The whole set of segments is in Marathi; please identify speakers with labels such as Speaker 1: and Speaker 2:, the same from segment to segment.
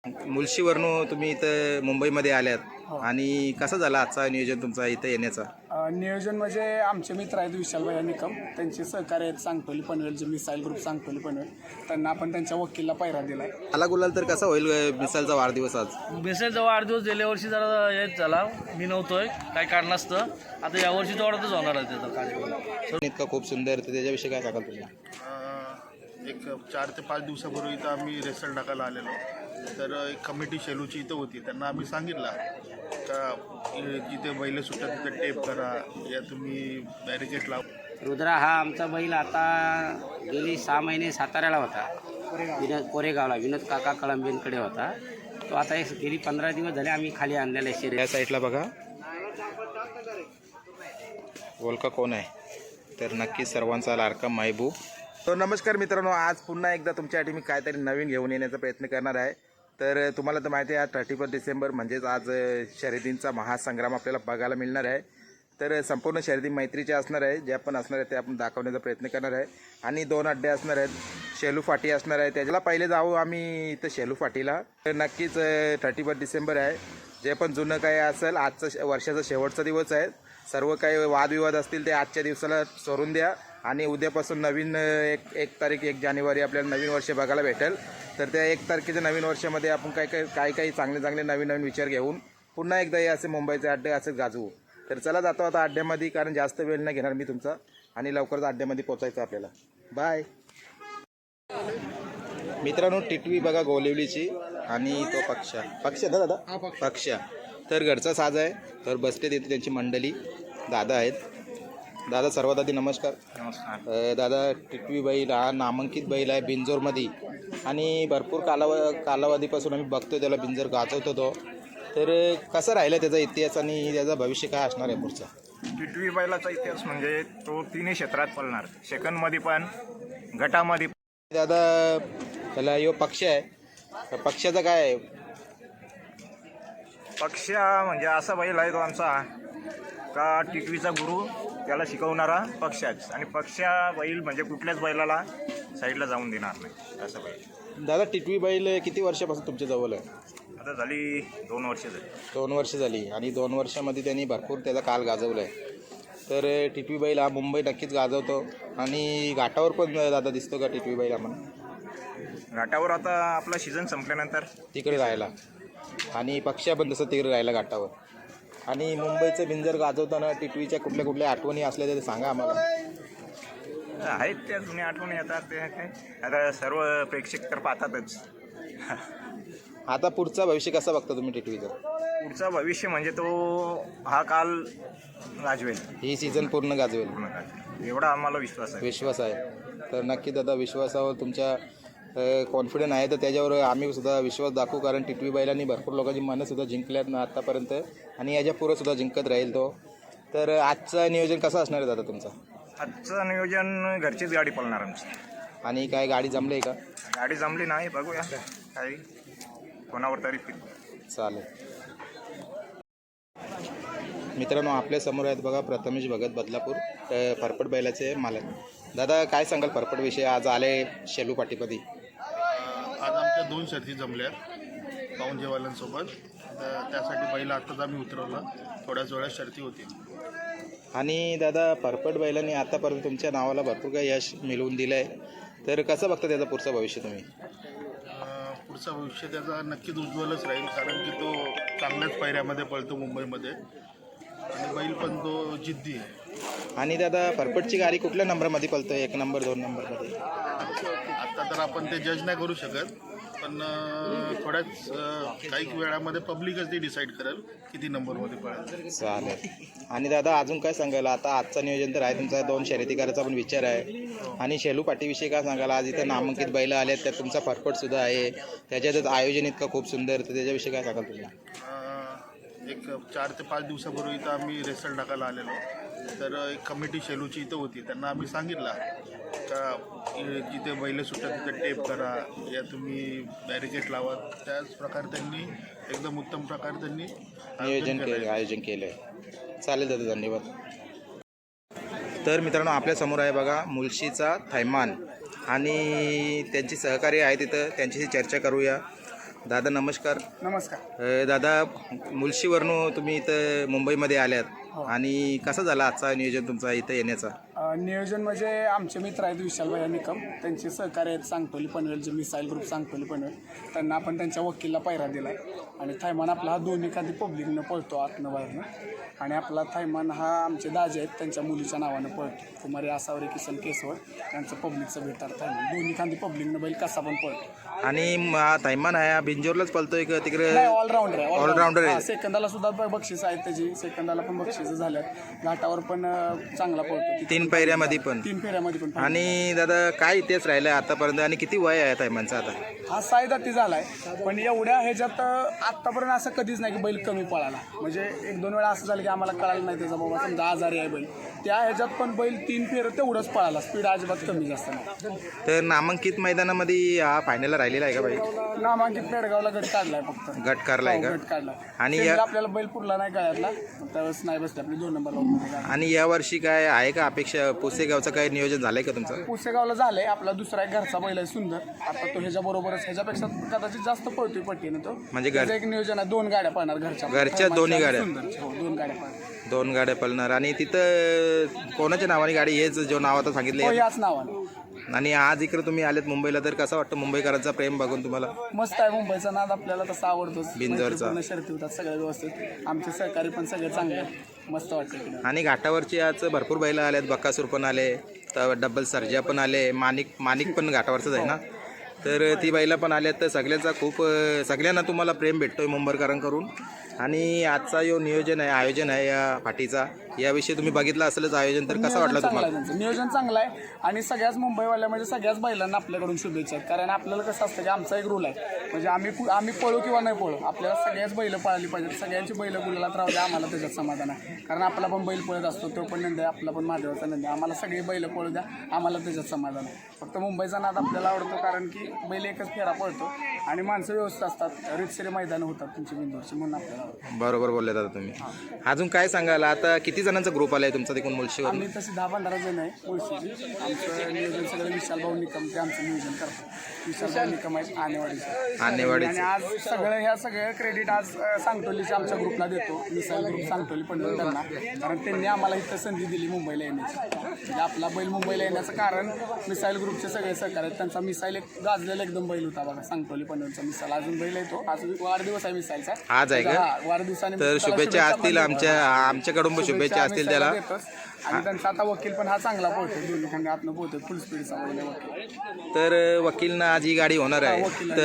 Speaker 1: मुळशीवरून तुम्ही इथं मुंबईमध्ये आल्यात
Speaker 2: हो.
Speaker 1: आणि कसं झालं आजचा नियोजन तुमचा इथं येण्याचा?
Speaker 2: नियोजन म्हणजे आमचे मित्र आहेत विशालभाई निकम, त्यांचे सहकार्य आहेत सांगतोली पनवेल, जे मिसाईल ग्रुप सांगतोली पनवेल, त्यांना आपण त्यांच्या वकीलला पायरा दिला.
Speaker 1: आला गुलाल तर कसा होईल मिसालचा वाढदिवस आज?
Speaker 3: बेसेलचा वाढदिवस गेल्या वर्षी जरा हेच झाला, मी नव्हतोय काही कारणास्तव. आता यावर्षी जोरातच होणार आहे त्याचा कार्यक्रम.
Speaker 1: इतका खूप सुंदर, तर त्याच्याविषयी काय सांगाल तुम्ही?
Speaker 4: एक 4 ते 5 दिवसापूर्वी इथं आम्ही रेसल टाकायला आलेलो. तर एक कमिटी शेलूची इथं होती, त्यांना आम्ही सांगितलं का जिथे बैल सुटतात तिथे टेप करा, या तुम्ही बॅरिकेड लावा.
Speaker 5: रुद्रा हा आमचा बैल आता गेली 6 महिने साताऱ्याला होता, कोरेगावला विनोद काका कळंबेंकडे होता. तो आता गेली 15 दिवस झाले आम्ही खाली आणलेला आहे शरीर.
Speaker 1: या साईडला बघा ओळखा कोण आहे, तर नक्कीच सर्वांचा लाडका महबूब. तर नमस्कार मित्रांनो, आज पुन्हा एकदा तुमच्यासाठी मी काहीतरी नवीन घेऊन येण्याचा प्रयत्न करणार आहे. तर तुम्हाला तर माहिती आहे आज 31 डिसेंबर म्हणजेच आज शर्यतींचा महासंग्राम आपल्याला बघायला मिळणार आहे. तर संपूर्ण शर्यती मैत्रीचे असणार आहे, जे आपण असणार आहे ते आपण दाखवण्याचा प्रयत्न करणार आहे. आणि 2 अड्डे असणार आहेत, शेलू फाटी असणार आहे. त्याला पहिले जाऊ आम्ही इथं शेलू फाटीला. तर नक्कीच 31 डिसेंबर आहे, जे पण जुनं काय असेल आजचं वर्षाचा शेवटचा दिवस आहे. सर्व काही वादविवाद असतील ते आजच्या दिवसाला सोडून द्या आणि उद्यापासून नवीन एक तारीख 1 जानेवारी आपल्याला नवीन वर्ष बघायला भेटेल. तर त्या 1 तारखेच्या नवीन वर्षामध्ये आपण काही चांगले नवीन विचार घेऊन पुन्हा एकदा हे असे मुंबईचे अड्डे असे गाजवू. तर चला जातो आता अड्ड्यामध्ये, कारण जास्त वेळ नाही घेणार मी तुमचा आणि लवकरच अड्ड्यामध्ये पोचायचं आपल्याला. बाय मित्रांनो. टिटवी बघा गोलिवलीची आणि तो पक्ष ना दादा, पक्ष तर घरचा साज आहे. तर बसते तिथे त्यांची मंडळी दादा आहेत. दादा सर्वात आधी नमस्कार. दादा टिटवी बैल हा नामांकित बैल आहे बिंजोरमध्ये आणि भरपूर कालावधीपासून आम्ही बघतो त्याला बिंजोर गाजवतो तो. तर कसं राहिलं त्याचा इतिहास आणि त्याचा भविष्य काय असणार आहे पुढचा?
Speaker 6: टिटवी बैलाचा इतिहास म्हणजे तो तिन्ही क्षेत्रात पळणार, सेकंडमध्ये पण गटामध्ये.
Speaker 1: दादा त्याला यो पक्ष आहे, पक्षाचा काय आहे?
Speaker 6: पक्ष म्हणजे असा बैल आहे तो आमचा का टिटवीचा गुरु त्याला शिकवणारा पक्षाच, आणि पक्षा बैल म्हणजे कुठल्याच बैलाला साईडला जाऊन देणार नाही असं बैल.
Speaker 1: दादा टिटवी बैल किती वर्षापासून तुमच्या जवळ आहे?
Speaker 6: आता झाली 2 वर्ष झाली.
Speaker 1: 2 वर्ष झाली आणि 2 वर्षामध्ये त्यांनी भरपूर त्याचा काल गाजवला आहे. तर टिटवी बैल हा मुंबई नक्कीच गाजवतो आणि घाटावर पण दादा दिसतो का टिटवी बैल आम्हाला?
Speaker 6: घाटावर आता आपला सीझन संपल्यानंतर
Speaker 1: तिकडे राहायला, आणि पक्ष्या पण तसं तिकडे राहायला घाटावर. आणि मुंबईचं बिंजर गाजवताना टिटवीच्या कुठल्या आठवणी असल्या तर सांगा आम्हाला.
Speaker 6: आहेत त्या जुन्या आठवणी येतात, ते काय आता सर्व प्रेक्षक तर पाहतातच.
Speaker 1: आता पुढचा भविष्य कसा बघता तुम्ही टिटवीचं?
Speaker 6: पुढचा भविष्य म्हणजे तो हा काल गाजवेल,
Speaker 1: ही सीझन पूर्ण गाजवेल
Speaker 6: एवढा आम्हाला विश्वास आहे.
Speaker 1: तर नक्की दादा विश्वासावर तुमच्या कॉन्फिडंट आहे, तर त्याच्यावर आम्ही सुद्धा विश्वास दाखवू, कारण टिटवी बैलांनी भरपूर लोकांची मनंसुद्धा जिंकल्यात ना आत्तापर्यंत आणि याच्या पुढं सुद्धा जिंकत राहील तो. तर आजचं नियोजन कसं असणार आहे दादा तुमचं?
Speaker 6: आजचं नियोजन घरचीच गाडी पळणार आमची.
Speaker 1: आणि काय गाडी जमली आहे का?
Speaker 6: गाडी जमली नाही, बघूया काही कोणावर तरी.
Speaker 1: चालेल मित्रांनो, आपल्यासमोर आहेत बघा प्रथमेश भगत बदलापूर, फरफट बैलाचे मालक. दादा काय सांगाल फरफटविषयी? आज आले शेलू पाटीपदी.
Speaker 4: आज आमच्या 2 शर्ती जमल्या पाऊंजेवाल्यांसोबत. त्यासाठी बैल आत्ताच आम्ही उतरवला, थोड्याच वेळात शर्ती होती.
Speaker 1: आणि दादा फरफट बैलांनी आतापर्यंत तुमच्या नावाला भरपूर काही यश मिळवून दिलं आहे, तर कसं बघता त्याचं पुढचं भविष्य तुम्ही?
Speaker 4: पुढचं भविष्य त्याचा नक्कीच उज्ज्वलच राहील, कारण की तो चांगल्याच पायऱ्यामध्ये पळतो मुंबईमध्ये आणि बैल पण तो जिद्दी आहे.
Speaker 1: आणि दादा फरफटची गाडी कुठल्या नंबरमध्ये पळतो? 1 नंबर 2 नंबरमध्ये?
Speaker 4: आत्ता तर आपण ते जज नाही करू शकत, पण थोड्याच काही वेळामध्ये पब्लिकच ते डिसाईड करेल किती नंबरमध्ये पळेल.
Speaker 1: चालेल. आणि दादा अजून काय सांगाल? आता आजचं नियोजन तर आहे तुमचा, 2 शर्यती करायचा पण विचार आहे. आणि शेलू पाटीविषयी काय सांगाल? आज इथं नामांकित बैल आले आहेत, त्यात तुमचा फरफटसुद्धा आहे, त्याच्यातच आयोजन इतकं खूप सुंदर, तर त्याच्याविषयी काय सांगाल तुम्ही?
Speaker 4: एक 4 ते 5 दिवसापूर्वी इथं आम्ही रेसल टाकायला आलेलो. तर एक कमिटी शेलूची इथं होती, त्यांना आम्ही सांगितलं का जिथे बैल सुटतात तिथे टेप करा, या तुम्ही बॅरिकेड लावा. त्याच प्रकारे त्यांनी एकदम उत्तम प्रकारे त्यांनी
Speaker 1: आयोजन केलं आहे. चालेल दादा, धन्यवाद. तर मित्रांनो, आपल्यासमोर आहे बघा मुळशीचा थैमान आणि त्यांची सहकार्य आहे तिथं, त्यांच्याशी चर्चा करूया. दादा नमस्कार.
Speaker 2: नमस्कार.
Speaker 1: दादा मुळशीवरून तुम्ही इथं मुंबईमध्ये आल्यात आणि कसं झालं आजचा नियोजन तुमचा इथं येण्याचा?
Speaker 2: नियोजन म्हणजे आमचे मित्र आहेत विशालभाई निकम, त्यांचे सहकार्य आहेत सांगतोली पनवेल जे मिसाईल ग्रुप सांगतोली पनवेल, त्यांना आपण त्यांच्या वकीलला पायरा दिला आहे. आणि थायमान आपला हा दोन्ही खाली पब्लिकनं पळतो आतनं बाहेरनं. आणि आपला थायमान हा आमचे दाजे आहेत त्यांच्या मुलीच्या नावानं पळतो. कुमारी आसावरे किसन केसवर त्यांचं पब्लिकचं भेटतात थायमान. दोन्ही खाली पब्लिकनं बैल कसा पण पळतो.
Speaker 1: आणि थायमान आहे बिंजोरलाच पळतोय का तिकडे?
Speaker 2: नाही, ऑलराऊंडर आहे.
Speaker 1: ऑलराऊंडर आहे.
Speaker 2: सेकंदाला सुद्धा बक्षीस आहेत त्याची, सेकंदाला पण बक्षीस झाल्यात. घाटावर पण चांगला पळतो.
Speaker 1: 3 फेऱ्यामध्ये पण.
Speaker 2: 3 फेऱ्यामध्ये पण.
Speaker 1: आणि दादा काय इतिहास राहिला आतापर्यंत आणि किती वय आहे थायमानचा आता?
Speaker 2: हा 6 दाती झालाय, पण एवढ्या ह्याच्यात आत्तापर्यंत असं कधीच नाही की बैल कमी पळाला. म्हणजे 1-2 वेळा असं झालं की आम्हाला कळालं नाही त्याचा बाबा समजा आजारी आहे बैल, त्या ह्याच्यात पण बैल 3 फेर तेवढंच पळाला. स्पीड अजिबात कमी जास्त नाही.
Speaker 1: तर नामांकित मैदानामध्ये हा फायनलला राहिलेला आहे का बाई?
Speaker 2: नामांकित पेडगावला गट काढलाय फक्त.
Speaker 1: गट काढलाय का?
Speaker 2: गट काढलाय.
Speaker 1: आणि
Speaker 2: आणि आपल्याला बैल पुरला नाही गळ्यातला, त्यावेळेस नाही बसले आपली 2 नंबरला.
Speaker 1: आणि यावर्षी काय आहे का अपेक्षा? पुसेगावचं काय नियोजन झालंय का तुमचं?
Speaker 2: पुसेगावला झालंय. आपला दुसरा एक घरचा बैल आहे सुंदर. आता तो ह्याच्याबरोबरच ह्याच्यापेक्षा कदाचित जास्त पळतोय पट्टीनं तो.
Speaker 1: म्हणजे
Speaker 2: त्याचं एक नियोजन आहे. 2 गाड्या पळणार
Speaker 1: घरच्या दोन्ही गाड्या?
Speaker 2: सुंदरच्या. हो, 2 गाड्या पळणार.
Speaker 1: 2 गाड्या पळणार. आणि तिथं कोणाच्या नावाने गाडी? हेच जो नाव आता
Speaker 2: हो,
Speaker 1: सांगितले.
Speaker 2: याच नावाने.
Speaker 1: आणि आज इकडे तुम्ही आलेत मुंबईला, तर कसं वाटतं मुंबईकरांचा प्रेम बघून तुम्हाला?
Speaker 2: मस्त आहे. मुंबईचा नाद आपल्याला तसा आवडतोच.
Speaker 1: बिंजोरचा.
Speaker 2: शर्ती होतात सगळ्या व्यवस्थित. आमचे सहकारी पण सगळे चांगले आहेत. मस्त वाटतं.
Speaker 1: आणि घाटावरची आज भरपूर बैलं आल्यात. बक्कासूर पण आले, तर डबल सर्जा पण आले, माणिक पण घाटावरचंच आहे ना, तर ती बैलं पण आल्यात. तर सगळ्यांना तुम्हाला प्रेम भेटतोय मुंबईकरांकडून. आणि आजचा जो आयोजन आहे या पाठीचा, याविषयी तुम्ही बघितलं असेलच आयोजन, तर कसं वाटलं तुम्हाला?
Speaker 2: नियोजन चांगलं आहे. आणि सगळ्याच मुंबईवाल्या म्हणजे सगळ्याच बैलांना आपल्याकडून शुभेच्छा आहेत. कारण आपल्याला कसं असतं की आमचा एक रूल आहे, म्हणजे आम्ही पळू किंवा नाही पळू, आपल्याला सगळ्याच बैलं पळाली पाहिजेत. सगळ्यांची बैलं गुलालात राहू द्या, आम्हाला त्याच्यात समाधान आहे. कारण आपला पण बैल पळत असतो, तो पण नंद आहे, आपला पण महादेवाचा नंद आहे. आम्हाला सगळी बैलं पळू द्या, आम्हाला त्याच्यात समाधान आहे. फक्त मुंबईचा नाद आपल्याला आवडतो, कारण की बैल एकच फेरा पळतो आणि माणसं व्यवस्थित असतात. रितसरी मैदानं होतात तुमची बिंदूरची, म्हणून आपल्याला आवडतं.
Speaker 1: बरोबर बोलले दादा तुम्ही. अजून काय सांगाल? आता किती जणांचा ग्रुप आलाय तुमचा तिकडून मुळशीवर?
Speaker 2: आम्ही तशी 10-15 जण आहे मुळशीची. आमचं नियोजन सगळं विशालभाऊ निकम ते आमचं नियोजन करतात. विशालभाऊ निकम आहेत आणेवाडीचे. आणि आज सगळं क्रेडिट आज सांगतोलीच्या आमच्या ग्रुपला देतो. मिसाईल ग्रुप सांगतोली पनवेल त्यांना, कारण त्यांनी आम्हाला इथं संधी दिली मुंबईला येण्याची. म्हणजे आपला बैल मुंबईला येण्याचं कारण मिसाईल ग्रुपचे सगळे सहकार्य आहेत. त्यांचा मिसाईल एक गाजलेला एकदम बैल होता बघा, सांगतोली पनवेलचा मिसाईल. अजून बैल येतो. आज वाढदिवस आहे मिसाईलचा.
Speaker 1: आज आहे का?
Speaker 2: वाढदिवसाने
Speaker 1: तर शुभेच्छा असतील आमच्याकडून शुभेच्छा असतील त्याला.
Speaker 2: आणि त्यांचा आता वकील पण हा चांगला पोहतो, दोन्ही खांदे आतनं पोहतो, फुल स्पीडचा वकील.
Speaker 1: तर वकीलनं आज ही गाडी होणार आहे,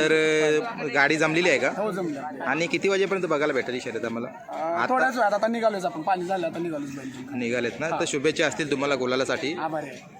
Speaker 1: तर गाडी जमलेली आहे का?
Speaker 2: हो, जमलं.
Speaker 1: आणि किती वाजेपर्यंत बघायला भेटेल शर्यत आम्हाला?
Speaker 2: थोड्याच वेळात आता निघालोच आपण, पाणी झालं आता निघालोच बैल.
Speaker 1: निघालेत ना, तर शुभेच्छा असतील तुम्हाला गुलालासाठी.
Speaker 2: आभार आहे.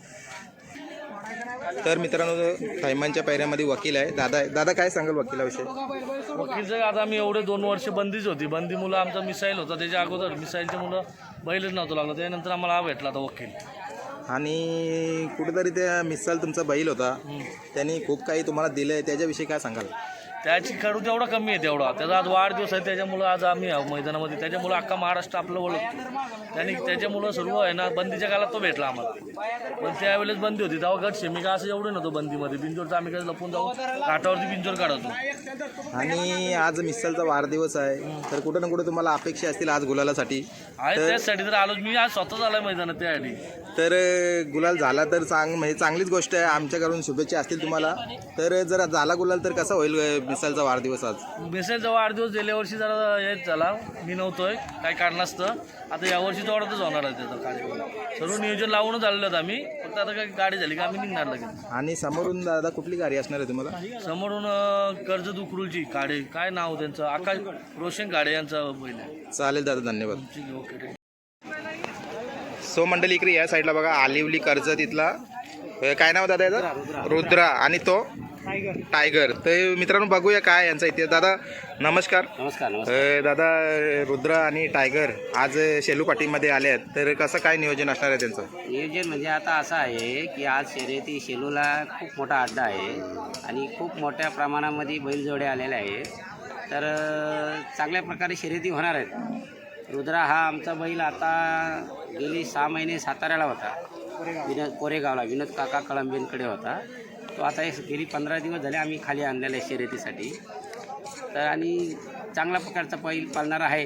Speaker 1: तर मित्रांनो, थायमानच्या पायऱ्यामध्ये वकील आहे दादा काय सांगाल वकिलाविषयी?
Speaker 3: वकीलचं आता आम्ही एवढे 2 वर्ष बंदीच होती. बंदी मुलं आमचा मिसाईल होता, त्याच्या अगोदर मिसाईलच्या मुलं बैलच नव्हतं लागलं. त्यानंतर आम्हाला हा भेटला आता वकील.
Speaker 1: आणि कुठेतरी त्या मिसाल तुमचा बैल होता, त्यांनी खूप काही तुम्हाला दिलं आहे, त्याच्याविषयी काय सांगाल?
Speaker 3: त्याची खडू तेवढा कमी आहे तेवढा. त्याचा आज वाढदिवस आहे, त्याच्यामुळं आज आम्ही मैदानामध्ये, त्याच्यामुळं अख्खा महाराष्ट्र आपलं ओळखतो. त्याच्यामुळं सर्व आहे ना, बंदीच्या काळात तो भेटला आम्हाला. पण त्यावेळेस बंदी होती, तेव्हा गट शेमिका असं एवढं नव्हतं बंदीमध्ये. बिंजोरचं आम्ही काही लपून जाऊन घाटावरती बिंजोर काढतो.
Speaker 1: आणि आज मिसालचा वाढदिवस आहे, तर कुठं ना कुठं तुम्हाला अपेक्षा असतील आज गुलालासाठी?
Speaker 3: आहे त्याचसाठी तर आलोच मी, आज स्वतःच आलाय मैदानात त्यासाठी.
Speaker 1: तर गुलाल झाला तर म्हणजे चांगलीच गोष्ट आहे. आमच्याकडून शुभेच्छा असतील तुम्हाला. तर जर झाला गुलाल तर कसा होईल मिसालचा वाढदिवस आज?
Speaker 3: मिसाईलचा वाढदिवस गेल्या वर्षी जरा हेच झाला, मी नव्हतोय काही कारणास्तव. आता यावर्षी जोरातच होणार आहे त्याचा कार्यक्रम. सर्व नियोजन लावूनच आलेलो आहेत आम्ही, फक्त आता काही गाडी झाली का आम्ही निघणार लगेच.
Speaker 1: आणि समोरून दादा कुठली गाडी असणार आहे तुम्हाला?
Speaker 3: समोरून कर्जत उकरूलची काडे, काय नाव त्यांचं, आकाश रोशन काडे यांचा बैल आहे.
Speaker 1: चालेल दादा, धन्यवाद.
Speaker 3: ओके.
Speaker 1: सो मंडळी इकडे या साईडला बघा, आलिवली कर्जत इथला काय नाव दादा याचा? रुद्रा. आणि तो टायगर. तर मित्रांनो बघूया काय यांचा इतिहास. दादा नमस्कार.
Speaker 5: नमस्कार.
Speaker 1: दादा, रुद्रा आणि टायगर आज शेलू पाटीमध्ये आले आहेत, तर कसं काय नियोजन असणार आहे त्यांचं?
Speaker 5: नियोजन म्हणजे आता असं आहे की आज शर्यती शेलूला खूप मोठा अड्डा आहे आणि खूप मोठ्या प्रमाणामध्ये बैलजोडे आलेले आहेत. तर चांगल्या प्रकारे शर्यती होणार आहेत. रुद्रा हा आमचा बैल आता गेली 6 महिने साताऱ्याला होता, कोरेगावला विनोद काका कळंबेंकडे होता. तो आता गेली 15 दिवस झाले आम्ही खाली आणलेला आहे शर्यतीसाठी. तर आणि चांगल्या प्रकारचा बैल पाळणारा आहे.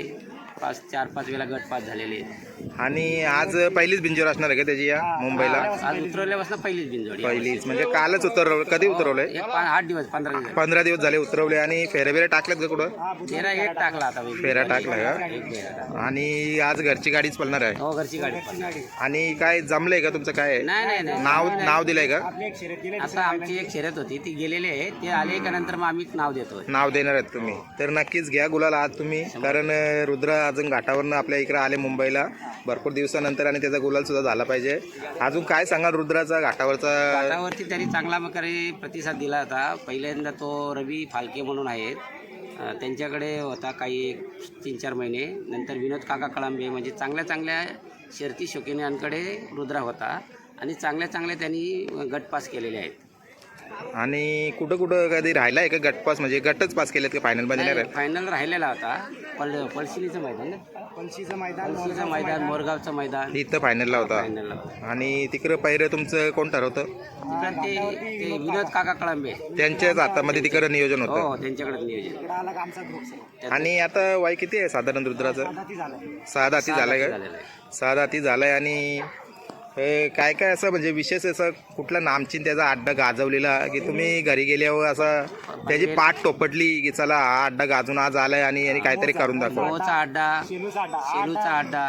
Speaker 5: 4-5 वेळा गट पास झालेले आहेत.
Speaker 1: आणि आज पहिलीच बिंजोर असणार आहे का त्याची या मुंबईला?
Speaker 5: आज उतरवल्यापासून पहिलीच बिनजोडी.
Speaker 1: पहिलीच म्हणजे कालच उतरवलं. कधी उतरवलंय?
Speaker 5: 8 दिवस 15 दिवस
Speaker 1: 15 दिवस झाले उतरवले. आणि फेऱ्या बिऱ्या टाकल्यात का कुठं?
Speaker 5: फेरा एक टाकला आता बैल.
Speaker 1: फेऱ्या टाकला का?
Speaker 5: एक फेरा टाकला.
Speaker 1: आणि आज घरची गाडीच पळणार आहे.
Speaker 5: हो, घरची गाडी पळणार.
Speaker 1: आणि काय जमलंय का तुमचं? काय
Speaker 5: नाही
Speaker 1: नाव दिलंय का?
Speaker 5: आता आमची एक शर्यत होती ती गेलेली आहे. ते आले का नंतर मग आम्ही नाव देतो.
Speaker 1: नाव देणार आहेत तुम्ही? तर नक्कीच घ्या गुलाल आज तुम्ही, कारण रुद्र अजून घाटावरनं आपल्या इकडे आले मुंबईला भरपूर दिवसानंतर आणि त्याचा गुलाल सुद्धा झाला पाहिजे. अजून काय सांगाल रुद्राचा घाटावरचा?
Speaker 5: घाटावरती त्यांनी चांगला प्रकारे प्रतिसाद दिला होता. पहिल्यांदा तो रवी फालके म्हणून आहेत, त्यांच्याकडे होता काही 3-4 महिने. नंतर विनोद काका कळंबे, म्हणजे चांगल्या शर्ती शौकीनांकडे रुद्रा होता आणि चांगल्या त्यांनी गट पास केलेले आहेत.
Speaker 1: आणि कुठं कधी राहिला आहे का गटपास? म्हणजे गटच पास केलेत का फायनलमध्ये नाही राहिले?
Speaker 5: फायनल राहिलेला होता. पळशीचं मैदान ना? पळशीचं मैदान, मोरगावचं मैदान,
Speaker 1: इथं फायनलला होता.
Speaker 5: फायनलला होता.
Speaker 1: आणि तिकडं पहिलं तुमचं कोण ठरवतं?
Speaker 5: तिकडं ते विनोद काका कळंबे,
Speaker 1: त्यांच्याच हातामध्ये तिकडं नियोजन होतं.
Speaker 5: हो, त्यांच्याकडे नियोजन.
Speaker 1: आणि आता वय किती आहे साधारण रुद्राचं? 6 दाती झालाय का?
Speaker 5: झालेलं आहे.
Speaker 1: 6 दाती झालाय. आणि काय असं म्हणजे विशेष असं कुठला नामचीन त्याचा अड्डा गाजवलेला की तुम्ही घरी गेल्यावर असं त्याची पाठ टोपटली की चला हा अड्डा गाजून आज आलाय आणि काहीतरी करून दाखव?
Speaker 5: मोचा अड्डा, शेलूचा अड्डा.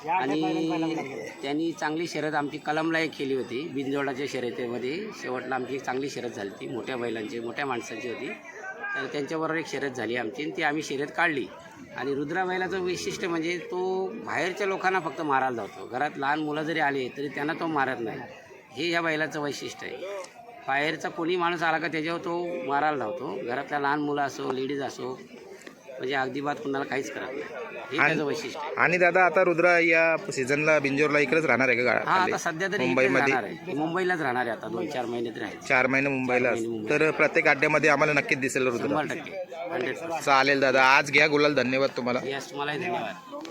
Speaker 5: आणि त्यांनी चांगली शर्यत आमची कलमला एक केली होती बिनजोडाच्या शर्यतीमध्ये. शेवटला आमची एक चांगली शर्यत झाली ती, मोठ्या बैलांची, मोठ्या माणसांची होती. तर त्यांच्याबरोबर एक शर्यत झाली आमची आणि ती आम्ही शर्यत काढली. आणि रुद्रा बैलाचं वैशिष्ट्य म्हणजे तो बाहेरच्या लोकांना फक्त मारायला जातो. घरात लहान मुलं जरी आले तरी त्यांना तो मारत नाही. हे या बैलाचं वैशिष्ट्य आहे. बाहेरचा कोणी माणूस आला का त्याच्यावर तो मारायला धावतो. घरातल्या लहान मुलं असो, लेडीज असो, म्हणजे अगदी बात कुणाला काहीच करत नाही. हे त्याचं वैशिष्ट्य आहे.
Speaker 1: आणि दादा आता रुद्रा या सीझनला बिंजोरला इकडेच राहणार आहे का?
Speaker 5: हा, आता सध्या तरी
Speaker 1: मुंबईमध्ये
Speaker 5: राहणार आहे. मुंबईलाच राहणार आहे आता 2-4 महिने तरी आहेत.
Speaker 1: 4 महिने मुंबईला. तर प्रत्येक अड्ड्यामध्ये आम्हाला नक्कीच दिसेल रुद्रा.
Speaker 5: 100%. 100%.
Speaker 1: चालेल दादा, आज घ्या गुलाल. धन्यवाद तुम्हाला.
Speaker 5: यस, तुम्हालाही धन्यवाद.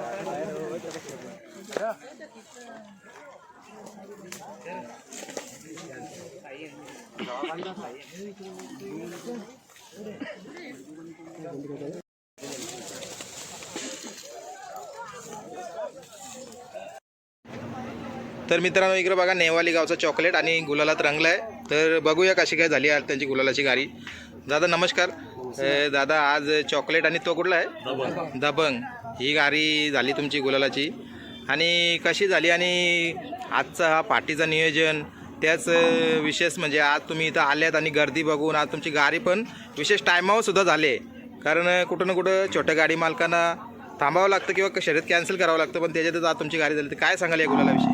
Speaker 1: तर मित्रांनो, इकडे बघा नेवाली गावचा चॉकलेट आणि गुलालात रंगला आहे. तर बघूया कशी काय झाली आज त्यांची गुलालाची गाडी. दादा नमस्कार. दादा आज चॉकलेट आणि तो कुठला आहे? दबंग ही गाडी झाली तुमची गुलालाची. आणि कशी झाली? आणि आजचा हा पार्टीचा नियोजन त्याच विशेष म्हणजे आज तुम्ही इथं आल्यात आणि गर्दी बघून आज तुमची गाडी पण विशेष टायमावर सुद्धा झाले. कारण कुठं ना कुठं छोट्या गाडी मालकांना थांबावं लागतं किंवा शर्यत कॅन्सल करावं लागतं, पण त्याच्यातच आज तुमची गाडी झाली. तर काय सांगाल या गुलालाविषयी?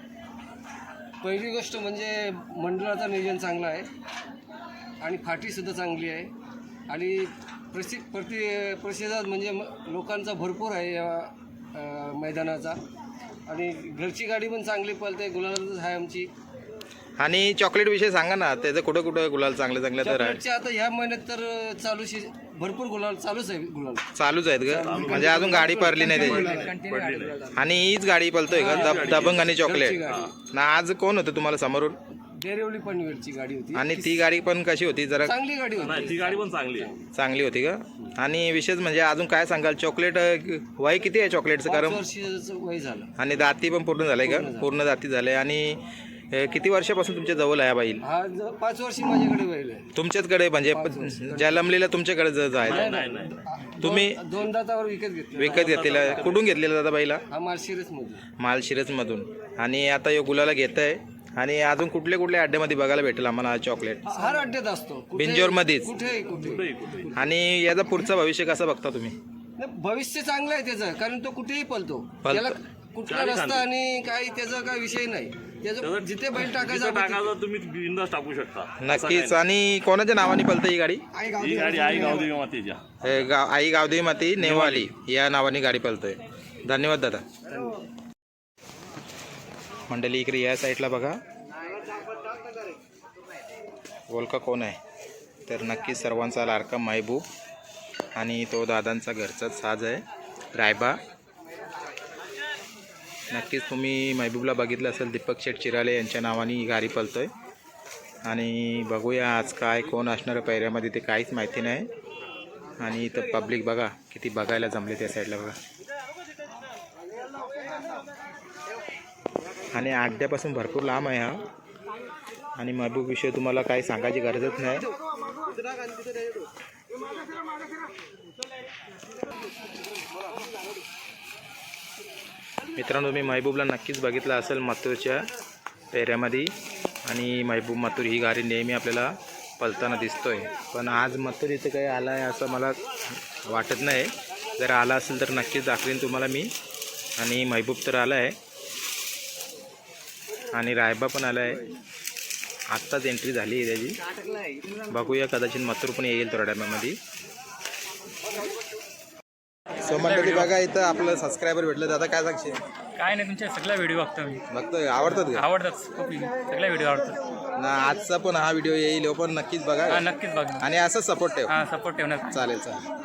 Speaker 7: पहिली गोष्ट म्हणजे मंडळाचं नियोजन चांगलं आहे आणि फाटीसुद्धा चांगली आहे आणि प्रतिसाद म्हणजे लोकांचा भरपूर आहे या मैदानाचा. आणि घरची गाडी पण चांगली पळते, गुलालच आहे आमची.
Speaker 1: आणि चॉकलेट विषय सांगा ना, त्याचं कुठं गुलाल चांगले तर आहे?
Speaker 7: चॉकलेटचे आता ह्या महिन्यात तर भरपूर गुलाल चालूच आहे. गुलाल
Speaker 1: चालूच आहेत का? म्हणजे अजून गाडी पडली नाही त्याची. आणि हीच गाडी पळतोय का दबंग आणि चॉकलेट? ना आज कोण होतं तुम्हाला समोरून?
Speaker 7: डेरेवली पनवेलची गाडी होती.
Speaker 1: आणि ती गाडी पण कशी होती? जरा
Speaker 7: चांगली गाडी होती.
Speaker 3: ती गाडी पण
Speaker 1: चांगली होती का? आणि विशेष म्हणजे अजून काय सांगाल? चॉकलेट वय किती आहे चॉकलेटचं?
Speaker 7: 5
Speaker 1: कारण
Speaker 7: वर्षाचं वय झालं.
Speaker 1: आणि दाती पण पूर्ण झालंय का? पूर्ण दाती झालंय. आणि किती वर्षापासून तुमच्या जवळ आहे बैल?
Speaker 7: हा 5 वर्षी माझ्याकडे बैल आहे.
Speaker 1: तुमच्याचकडे म्हणजे जन्मलेला तुमच्याकडे आहे? तुम्ही
Speaker 7: 2 दातावर विकत
Speaker 1: घेतलेला? कुठून घेतलेला दादा बैला?
Speaker 7: हा माळशिरसमधून.
Speaker 1: माळशिरसमधून. आणि आता यो गुलाला घेत आहे. आणि अजून कुठल्या अड्ड्यामध्ये बघायला भेटेल आम्हाला हा चॉकलेट?
Speaker 7: हर अड्ड्यात असतो.
Speaker 1: बिंजोरमध्येच?
Speaker 7: कुठेही.
Speaker 1: आणि याचा पुढचं भविष्य कसं बघता तुम्ही?
Speaker 7: भविष्य चांगलं आहे त्याचं, कारण तो कुठेही पळतो. त्याला कुठला रस्ता आणि काही त्याचा काही विषय नाही. त्याचं जिथे बैल टाकायचा
Speaker 3: तुम्ही बिंदास टाकू शकता.
Speaker 1: नक्कीच. आणि कोणाच्या नावाने पळतं ही गाडी?
Speaker 3: ही गाडी आई गावदेवी मातेच्या.
Speaker 1: आई गावदेवी माती नेवाली या नावाने गाडी पळतोय. धन्यवाद दादा. मंडळी इकडे या साईडला बघा ओळखा कोण आहे? तर नक्कीच सर्वांचा लाडका महबूब आणि तो दादांचा घरचाच साज आहे रायबा. नक्कीच तुम्ही महबूबला बघितलं असेल. दीपक शेठ चिराले यांच्या नावाने ही गाडी पळतोय. आणि बघूया आज काय कोण असणार पहिऱ्यामध्ये ते काहीच माहिती नाही. आणि इथं पब्लिक बघा किती बघायला जमले त्या साईडला बघा. आणि अड्ड्यापासून भरपूर लांब आहे हा. आणि महबूब विषयी तुम्हाला काही सांगायची गरजच नाही. मित्रांनो, तुम्ही महबूबला नक्कीच बघितलं असेल मथुरच्या पेऱ्यामध्ये. आणि महबूब मथुर ही गाडी नेहमी आपल्याला पळताना दिसतोय. पण आज मथुर इथे काही आला आहे असं मला वाटत नाही. जर आला असेल तर नक्कीच दाखवेन तुम्हाला मी. आणि महबूब तर आला आहे आणि रायबा पण आला आहे. आत्ताच एंट्री झाली आहे त्याची. बघूया, कदाचित मथुर पण येईल थोड्या टायमामध्ये. सो मंडळी बघा, इथं आपलं सबस्क्रायबर भेटलं. दादा काय सांगशील?
Speaker 2: काय नाही, तुमचे सगळ्या व्हिडिओ बघतो मी.
Speaker 1: बघतोय, आवडतात का?
Speaker 2: आवडतात खूप, सगळ्या व्हिडिओ आवडतात.
Speaker 1: ना आजचा पण हा व्हिडिओ येईल, पण नक्कीच बघा
Speaker 2: नक्कीच बघा.
Speaker 1: आणि असं सपोर्ट ठेव.
Speaker 2: सपोर्ट ठेवणार.
Speaker 1: चालेल.